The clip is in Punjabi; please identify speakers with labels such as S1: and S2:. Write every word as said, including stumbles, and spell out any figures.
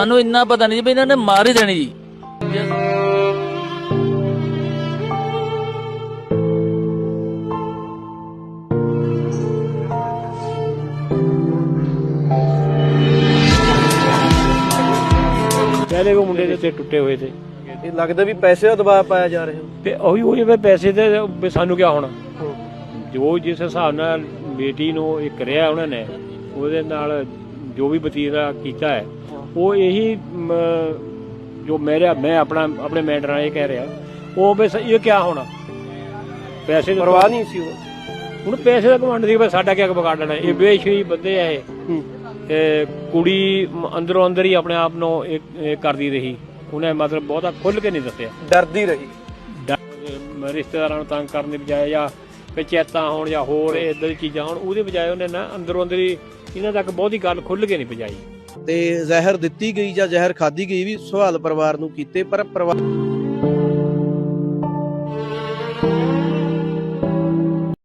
S1: ਸਾਨੂੰ ਇੰਨਾ ਪਤਾ ਨਹੀਂ ਵੀ ਇਹਨਾਂ ਨੇ ਮਾਰ ਹੀ ਦੇਣੀ ਜੀ।
S2: पहले वो मुंडे दे टुटे हुए थे,
S3: ਇਹ ਲੱਗਦਾ ਵੀ ਪੈਸੇ ਦਾ ਦਬਾਅ ਪਾਇਆ ਜਾ ਰਿਹਾ
S2: ਤੇ ਉਹੀ ਉਹੀ ਵੀ ਪੈਸੇ ਦੇ ਵੀ ਸਾਨੂੰ ਕਿਆ ਹੋਣਾ। ਜੋ ਜਿਸ ਹਿਸਾਬ ਨਾਲ ਬੇਟੀ ਨੂੰ ਇਹ ਕਰਿਆ ਉਹਨਾਂ ਨੇ, ਉਹਦੇ ਨਾਲ ਜੋ ਵੀ ਵਤੀਰਾ ਕੀਤਾ ਹੈ, ਉਹ ਇਹੀ ਜੋ ਮੇਰਾ ਮੈਂ ਆਪਣਾ ਆਪਣੇ ਮੈਂਟਰ ਨਾਲ ਇਹ ਕਹਿ ਰਿਹਾ, ਉਹ ਵੀ ਇਹ ਕਿਆ ਹੋਣਾ। ਪੈਸੇ ਦੀ
S3: ਪਰਵਾਹ ਨਹੀਂ ਸੀ ਉਹ,
S2: ਹੁਣ ਪੈਸੇ ਦਾ ਘਮੰਡ ਸੀ, ਸਾਡਾ ਕਿਆ ਵਿਗਾੜ ਲੈਣਾ। ਇਹ ਬੇਸ਼ਰੀ ਬੰਦੇ ਆ ਇਹ, ਤੇ ਕੁੜੀ ਅੰਦਰੋਂ ਅੰਦਰ ਹੀ ਆਪਣੇ ਆਪ ਨੂੰ ਇਹ ਕਰਦੀ ਰਹੀ। ਉਹਨੇ ਮਤਲਬ ਬਹੁਤਾ ਖੁੱਲ ਕੇ ਨਹੀਂ ਦੱਸਿਆ,
S3: ਡਰਦੀ ਰਹੀ।
S2: ਰਿਸ਼ਤੇਦਾਰਾਂ ਨੂੰ ਤੰਗ ਕਰਨ ਦੀ ਬਜਾਏ ਜਾਂ ਪੰਚਾਇਤਾਂ ਹੋਣ ਜਾਂ ਹੋਰ ਇੱਦਾਂ ਦੀ ਚੀਜ਼ਾਂ ਹੋਣ, ਉਹਦੇ ਬਜਾਏ ਉਹਨੇ ਨਾ ਅੰਦਰੋਂ ਅੰਦਰ ਹੀ ਇਹਨਾਂ ਤੱਕ ਬਹੁਤੀ ਗੱਲ ਖੁੱਲ ਕੇ ਨਹੀਂ ਪਹੁੰਚਾਈ।
S3: ਤੇ ਜ਼ਹਿਰ ਦਿੱਤੀ ਗਈ ਜਾਂ ਜ਼ਹਿਰ ਖਾਧੀ ਗਈ ਵੀ ਸਵਾਲ ਪਰਿਵਾਰ ਨੂੰ ਕੀਤੇ, ਪਰ ਪਰਿਵਾਰ